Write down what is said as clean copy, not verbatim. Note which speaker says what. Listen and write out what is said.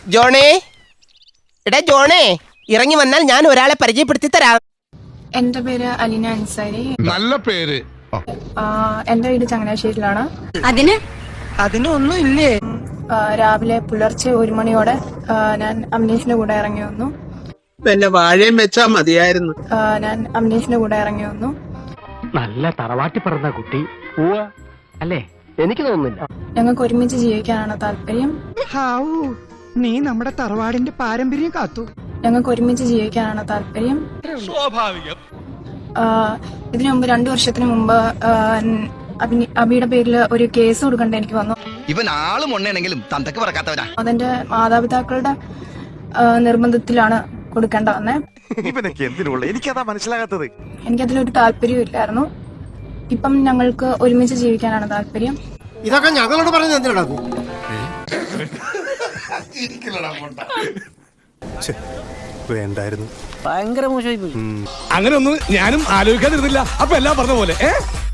Speaker 1: ജോണേ, എടാ ജോണേ, ഇറങ്ങി വന്നാൽ ഞാൻ ഒരാളെ പരിചയപ്പെടുത്തി തരാം.
Speaker 2: എന്റെ പേര് അലീന അൻസാരി.
Speaker 3: നല്ല പേര്.
Speaker 2: എന്റെ വീട് ചങ്ങനാശ്ശേരിയിലാണ്.
Speaker 1: അതിനൊന്നും ഇല്ലേ?
Speaker 2: രാവിലെ പുലർച്ചെ 1 മണിയോടെ ഞാൻ അമ്നീഷിന്റെ കൂടെ ഇറങ്ങി വന്നു.
Speaker 4: പിന്നെ വാഴയും വെച്ചാ മതിയായിരുന്നു.
Speaker 2: ഞാൻ അമ്നീഷിന്റെ കൂടെ ഇറങ്ങി വന്നു.
Speaker 5: നല്ല തറവാട്ടി പറഞ്ഞ കുട്ടി അല്ലേ? എനിക്ക് തോന്നുന്നില്ല.
Speaker 2: ഞങ്ങൾക്ക് ഒരുമിച്ച് ജീവിക്കാനാണ് താല്പര്യം.
Speaker 6: നീ നമ്മുടെ തറവാടിന്റെ പാരമ്പര്യം കാത്തു.
Speaker 2: ഞങ്ങൾക്ക് ഒരുമിച്ച് ജീവിക്കാനാണ് താല്പര്യം.
Speaker 3: സ്വാഭാവികം.
Speaker 2: ഇതിനു മുമ്പ് 2 വർഷത്തിന് മുമ്പ് അബിയുടെ പേരിൽ ഒരു കേസ് കൊടുക്കേണ്ട എനിക്ക് വന്നു.
Speaker 7: ഇവൻ ആളും ഉണ്ണയാണെങ്കിലും തന്തക്ക് പറക്കാത്തവനാ.
Speaker 2: അതെന്റെ മാതാപിതാക്കളുടെ നിർബന്ധത്തിലാണ് കൊടുക്കേണ്ട വന്നേ.
Speaker 8: എനിക്കതാ മനസ്സിലാകാത്തത്.
Speaker 2: എനിക്കതിലൊരു താല്പര്യവും ഇല്ലായിരുന്നു. ഇപ്പം ഞങ്ങൾക്ക് ഒരുമിച്ച് ജീവിക്കാനാണ് താല്പര്യം.
Speaker 6: ഇതൊക്കെ ഞങ്ങളോട് പറഞ്ഞു എന്തിനാ?
Speaker 8: വേണ്ടായിരുന്നു.
Speaker 5: ഭയങ്കര മോശമായി പോയി.
Speaker 3: അങ്ങനെ ഒന്നും ഞാനും ആലോചിക്കാതിരുന്നില്ല. അപ്പൊ എല്ലാം പറഞ്ഞ പോലെ